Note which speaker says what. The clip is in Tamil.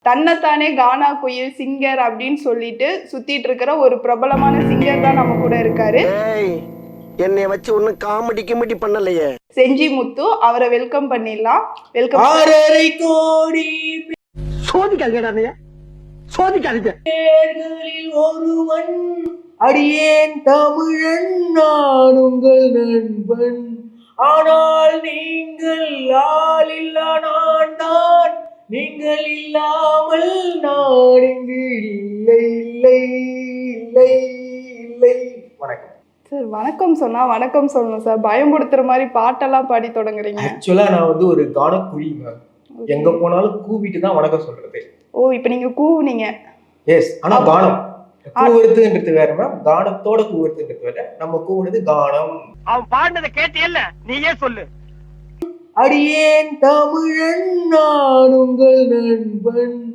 Speaker 1: தன்னைத்தானே கானா குயில் சிங்கர் அப்படின்னு சொல்லிட்டு சுத்திட்டு இருக்கிற ஒரு பிரபலமான சிங்கர் தான் நம்ம கூட இருக்காரு.
Speaker 2: என்னைய வச்சு ஒன்னும் காமெடி கிமெடி பண்ணலையே.
Speaker 1: செஞ்சி முத்து, அவரை வெல்கம் பண்ணிடலாம். வெல்கம்.
Speaker 3: 6.5 கோடி
Speaker 2: சோதிக்காதீங்க, சோதிக்காதீங்க.
Speaker 3: பேர்களில் ஒருவன் அடியேன் தமிழன், நான் உங்கள் நண்பன். ஆனால் நீங்கள் ஆள் இல்லா நான் தான், நீங்கள் இல்லாமல் நான் இங்கு இல்லை இல்லை இல்லை இல்லை. வணக்கம்
Speaker 1: சார். வணக்கம் சொன்னா வணக்கம் சொல்லணும் சார். பயம்படுத்துற மாதிரி பாட்டெல்லாம் பாடி தொடங்குறீங்க.
Speaker 3: ஆக்சுவலா நான் வந்து ஒரு கானக்குழி மேம். எங்க போனாலும் கூவிட்டு தான் வணக்கம் சொல்றது.
Speaker 1: ஓ, இப்ப நீங்க கூவுனீங்க.
Speaker 3: எஸ், ஆனா கானம் கூவுறதுன்றது வேற மேம். கானத்தோட கூவுறதுன்றது வேற. நம்ம கூவுனது கானம்.
Speaker 2: அவன் பாடினதை கேட்டியல்ல, நீயே சொல்லு.
Speaker 3: அடியேன் தமிழன், நான் உங்கள் நண்பன்.